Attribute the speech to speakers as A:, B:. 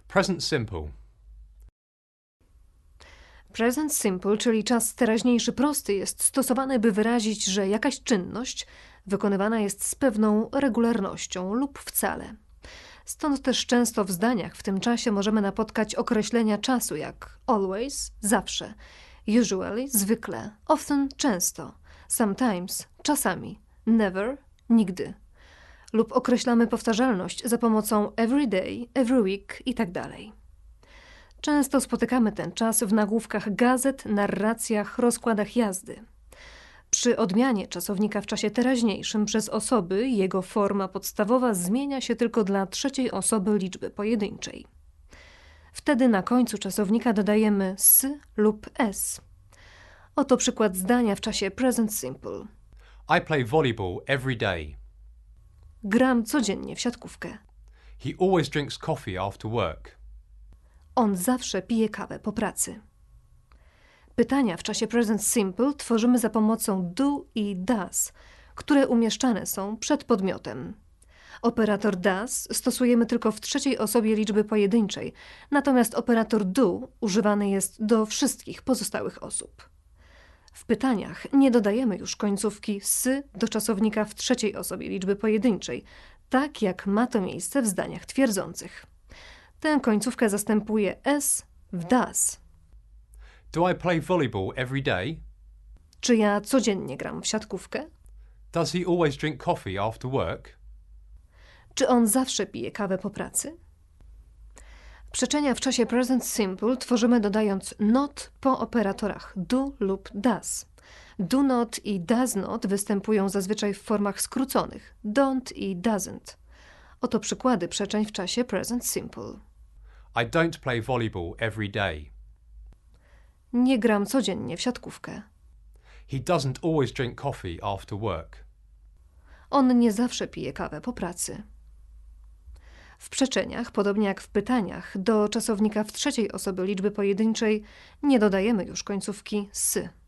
A: Present simple.
B: Present simple, czyli czas teraźniejszy prosty, jest stosowany, by wyrazić, że jakaś czynność wykonywana jest z pewną regularnością lub wcale. Stąd też często w zdaniach w tym czasie możemy napotkać określenia czasu jak always, zawsze, usually, zwykle, often, często, sometimes, czasami, never, nigdy. Lub określamy powtarzalność za pomocą every day, every week itd. Często spotykamy ten czas w nagłówkach gazet, narracjach, rozkładach jazdy. Przy odmianie czasownika w czasie teraźniejszym przez osoby jego forma podstawowa zmienia się tylko dla trzeciej osoby liczby pojedynczej. Wtedy na końcu czasownika dodajemy s lub s. Oto przykład zdania w czasie present simple.
A: I play volleyball every day.
B: Gram codziennie w siatkówkę.
A: He always drinks coffee after work.
B: On zawsze pije kawę po pracy. Pytania w czasie present simple tworzymy za pomocą do i does, które umieszczane są przed podmiotem. Operator does stosujemy tylko w trzeciej osobie liczby pojedynczej, natomiast operator do używany jest do wszystkich pozostałych osób. W pytaniach nie dodajemy już końcówki s do czasownika w trzeciej osobie liczby pojedynczej, tak jak ma to miejsce w zdaniach twierdzących. Tę końcówkę zastępuje s w does.
A: Do I play volleyball every day?
B: Czy ja codziennie gram w siatkówkę?
A: Does he always drink coffee after work?
B: Czy on zawsze pije kawę po pracy? Przeczenia w czasie present simple tworzymy dodając not po operatorach do lub does. Do not i does not występują zazwyczaj w formach skróconych don't i doesn't. Oto przykłady przeczeń w czasie present simple.
A: I don't play volleyball every day.
B: Nie gram codziennie w siatkówkę.
A: He doesn't always drink coffee after work.
B: On nie zawsze pije kawę po pracy. W przeczeniach, podobnie jak w pytaniach, do czasownika w trzeciej osobie liczby pojedynczej nie dodajemy już końcówki s.